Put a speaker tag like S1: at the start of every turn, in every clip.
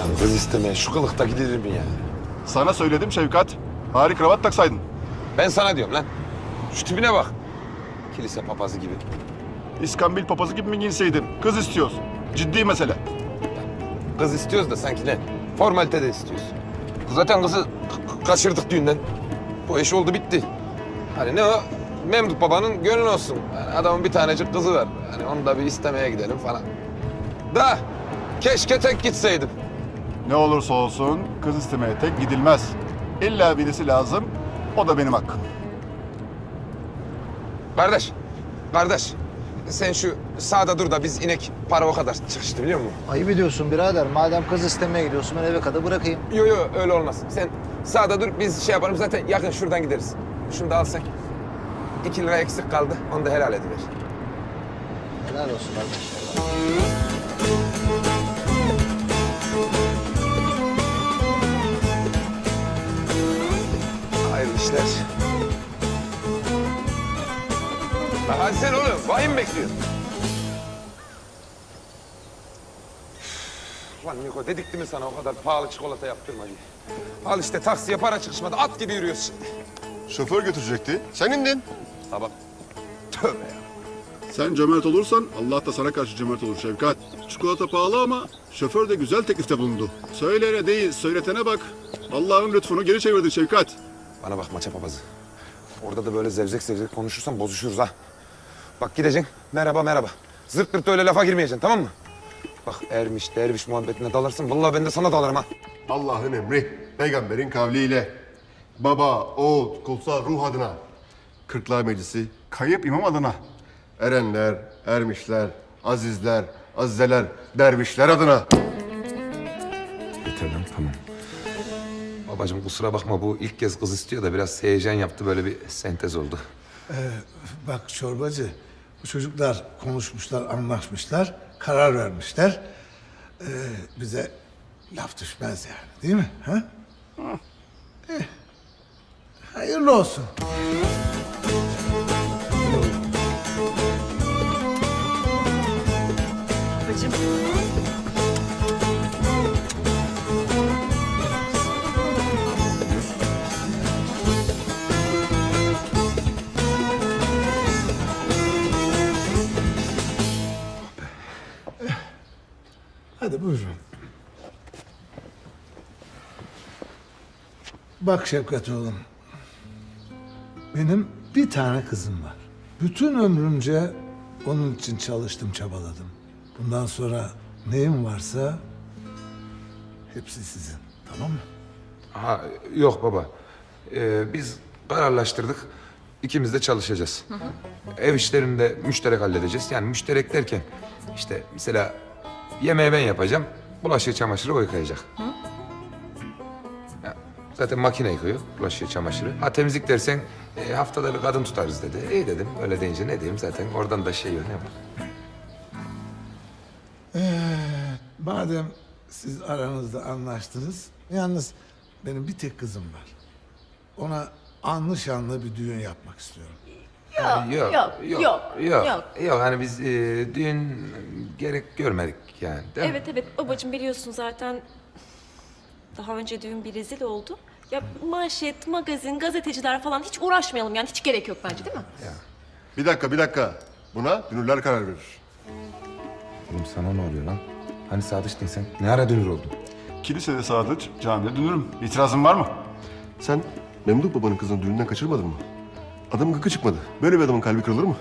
S1: kız istemeye şu kılıkta gidilir mi ya?
S2: Sana söyledim Şevkat. Bari kravat taksaydın.
S1: Ben sana diyorum lan. Şu tipine bak. Kilise papazı gibi.
S2: İskambil papazı gibi mi giyinseydin? Kız istiyoruz. Ciddi mesele.
S1: Kız istiyoruz da sanki ne? Formalite de istiyoruz. Zaten kızı kaçırdık düğünden. Bu iş oldu bitti. Hani ne o? Memduh babanın gönlü olsun. Yani adamın bir tanecik kızı var. Hani onu da bir istemeye gidelim falan. Da keşke tek gitseydim.
S2: Ne olursa olsun kız istemeye tek gidilmez. İlla birisi lazım. O da benim hakkım.
S1: Kardeş. Sen şu sağda dur da biz inek para o kadar çıkıştı biliyor musun?
S3: Ayıp ediyorsun birader. Madem kız istemeye gidiyorsun ben eve kadar bırakayım.
S1: Yo öyle olmaz. Sen sağda dur biz şey yapalım zaten yakın şuradan gideriz. Şunu da al sen. 2 lira eksik kaldı. Onu da helal ediver.
S3: Helal olsun kardeş.
S1: Hayırlı işler. Bak hadi sen oğlum. Vahim bekliyor. Lan Niko dedik değil mi sana o kadar pahalı çikolata yaptırma diye. Al işte taksiye para çıkışmadı. At gibi yürüyoruz şimdi.
S2: Şoför götürecekti. Sen indin.
S1: Tamam. Tövbe ya.
S2: Sen cömert olursan Allah da sana karşı cömert olur Şevkat. Çikolata pahalı ama şoför de güzel teklifte bulundu. Söyleyene değil, söyletene bak. Allah'ın lütfunu geri çevirdin Şevkat.
S1: Bana bak maça papazı. Orada da böyle zevzek konuşursan bozuşuruz ha. Bak gideceksin. Merhaba. Zırt pırt öyle lafa girmeyeceksin tamam mı? Bak ermiş derviş muhabbetine dalarsın. Vallahi ben de sana dalarım ha.
S4: Allah'ın emri, peygamberin kavliyle baba, oğul, kutsal ruh adına, Kırklar Meclisi,
S2: Kayıp imam adına.
S4: erenler, ermişler, azizler, azizeler, dervişler adına.
S1: Yeter lan tamam. Babacığım kusura bakma bu ilk kez kız istiyor da biraz heyecan yaptı böyle bir sentez oldu.
S5: Bak çorbacı, bu çocuklar konuşmuşlar, anlaşmışlar, karar vermişler. Bize laf düşmez yani, değil mi? Ha? Hayırlı olsun.
S6: Babacığım.
S5: Hadi buyurun. Bak Şevkat oğlum. Benim bir tane kızım var. Bütün ömrümce onun için çalıştım, çabaladım. Bundan sonra neyim varsa hepsi sizin. Tamam mı?
S1: Ha yok baba. Biz kararlaştırdık. İkimiz de çalışacağız. Ev işlerini de müşterek halledeceğiz. Yani müşterek derken işte mesela yemeği ben yapacağım. Bulaşığı çamaşırı o yıkayacak. Ya, zaten makine yıkıyor bulaşığı çamaşırı. Ha temizlik dersen haftada bir kadın tutarız dedi. İyi dedim. Öyle deyince ne diyeyim zaten oradan da şey yok ne var.
S5: Madem siz aranızda anlaştınız, yalnız benim bir tek kızım var. Ona anlı şanlı bir düğün yapmak istiyorum.
S6: Yok.
S1: Hani biz düğün gerek görmedik yani değil mi?
S6: Evet babacığım biliyorsun zaten daha önce düğün bir rezil oldu. Ya manşet, magazin, gazeteciler falan hiç uğraşmayalım yani hiç gerek yok bence değil mi?
S4: Bir dakika. Buna dünürler karar verir.
S1: Oğlum sana ne oluyor lan? Hani sadıçtın sen? Ne ara dönür oldun?
S2: Kilisede sadıç, camide dönürüm. İtirazın var mı?
S4: Sen Memduh babanın kızını düğünden kaçırmadın mı? Adamın gıkı çıkmadı. Böyle bir adamın kalbi kırılır mı?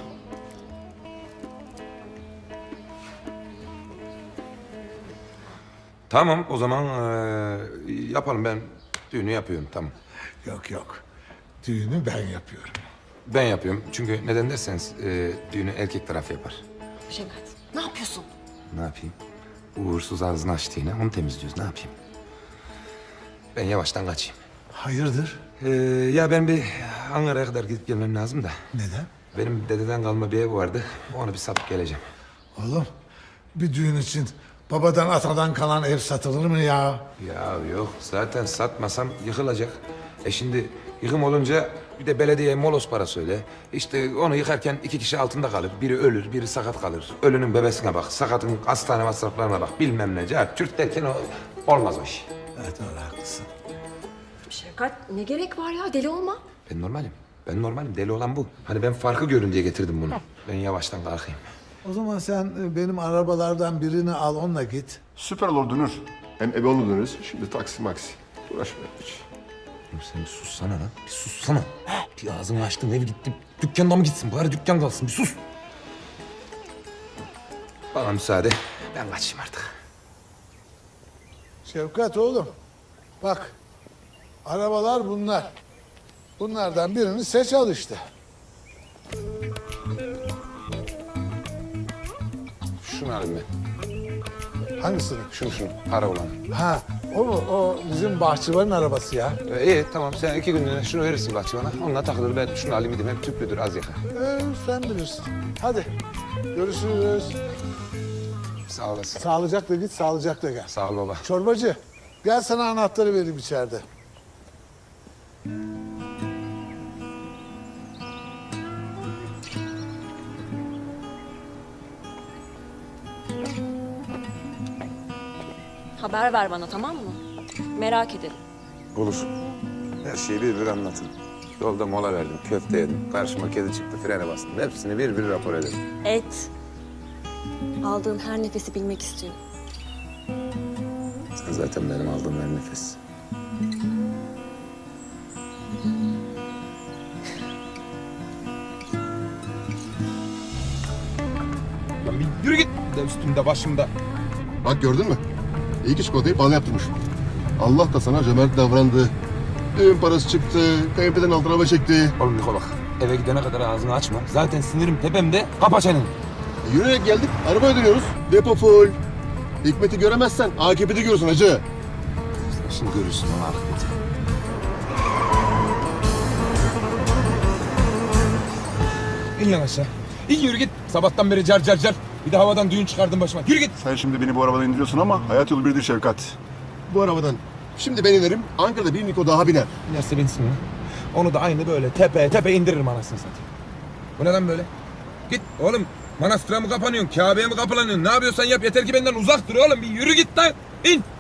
S1: Tamam o zaman yapalım ben düğünü yapıyorum tamam.
S5: Yok. Düğünü ben yapıyorum.
S1: Ben yapıyorum çünkü neden derseniz düğünü erkek tarafı yapar.
S6: Şevkat ne yapıyorsun?
S1: Ne yapayım? Uğursuz ağzını açtı yine onu temizliyoruz ne yapayım? Ben yavaştan kaçayım.
S5: Hayırdır?
S1: Ya ben bir Ankara'ya kadar gidip gelmem lazım da.
S5: Neden?
S1: Benim dededen kalma bir ev vardı. Onu bir satıp geleceğim.
S5: Oğlum bir düğün için babadan atadan kalan ev satılır mı ya?
S1: Ya yok zaten satmasam yıkılacak. Şimdi yıkım olunca bir de belediyeye molos para söyle. İşte onu yıkarken 2 kişi altında kalır. Biri ölür, biri sakat kalır. Ölünün bebesine bak, sakatın hastane masraflarına bak. Bilmem ne. Türk derken o Olmaz o iş.
S5: Evet doğru haklısın.
S6: Şefkat ne gerek var ya, deli olma.
S1: Ben normalim. Ben normalim. Deli olan bu. Hani ben farkı görün diye getirdim bunu. Ben yavaştan kalkayım.
S5: O zaman sen benim arabalardan birini al onunla git.
S4: Süper olur Dünür. Hem eve onu döneriz. Şimdi taksi maksi. Uğraşmayalım hiç.
S1: Oğlum sen bir sussana lan. Bir sussana. Bir ağzını açtın ev gitti. Dükkanda mı gitsin? Bari dükkan kalsın. Bir sus. Bana müsaade. Ben kaçayım artık.
S5: Şevkat oğlum, bak arabalar bunlar. Bunlardan birini seç al işte.
S1: Şunu alayım ben.
S5: Hangisini?
S1: Şunu. Para olan.
S5: Ha, o mu? O bizim bahçıvanın arabası ya.
S1: İyi tamam sen 2 günlüğüne şunu verirsin bahçıvana. Onunla takılır ben şunu alayım gideyim. Hem tüplüdür az yakar.
S5: Sen bilirsin. Hadi görüşürüz.
S1: Sağ olasın.
S5: Sağlıcakla git, sağlıcakla gel.
S1: Sağ ol baba.
S5: Çorbacı, gel sana anahtarı vereyim içeride.
S6: Haber ver bana, tamam mı? Merak ederim.
S1: Olur. Her şeyi bir bir anlatın. Yolda mola verdim, köfte yedim. Karşıma kedi çıktı, frene bastım. Hepsini bir bir rapor ederim.
S6: Et. Aldığın her nefesi bilmek istiyorum.
S1: Sen zaten benim aldığım her nefes. Lan bir yürü git. Bir de üstümde başımda.
S4: Bak gördün mü? İyi ki çikolatayı bana yaptırmış. Allah da sana cömert davrandı. Düğün parası çıktı, kayınpederin altına araba çekti.
S1: Oğlum Niko bak. Eve gidene kadar ağzını açma. Zaten sinirim tepemde. Kapa çeneni.
S4: Yürüyerek geldik, arabaya dönüyoruz. Depo full. Hikmet'i göremezsen AKP'de görürsün hacı.
S1: Sen şimdi görürsün o akıbeti. İn lan aşağı. İn yürü git. Sabahtan beri car car car. Bir de havadan düğün çıkardın başıma. Yürü git.
S2: Sen şimdi beni bu arabadan indiriyorsun ama hayat yolu birdir Şevkat.
S4: Bu arabadan şimdi ben inerim, Ankara'da bir Niko daha biner.
S1: Binerse binsin lan. Onu da aynı böyle tepe tepe indiririm anasını satayım. Bu ne lan böyle? Git oğlum. Manastıra mı kapanıyorsun? Kabe'ye mi kapılanıyorsun? Ne yapıyorsan yap. Yeter ki benden uzak dur oğlum. Bir yürü git lan. İn.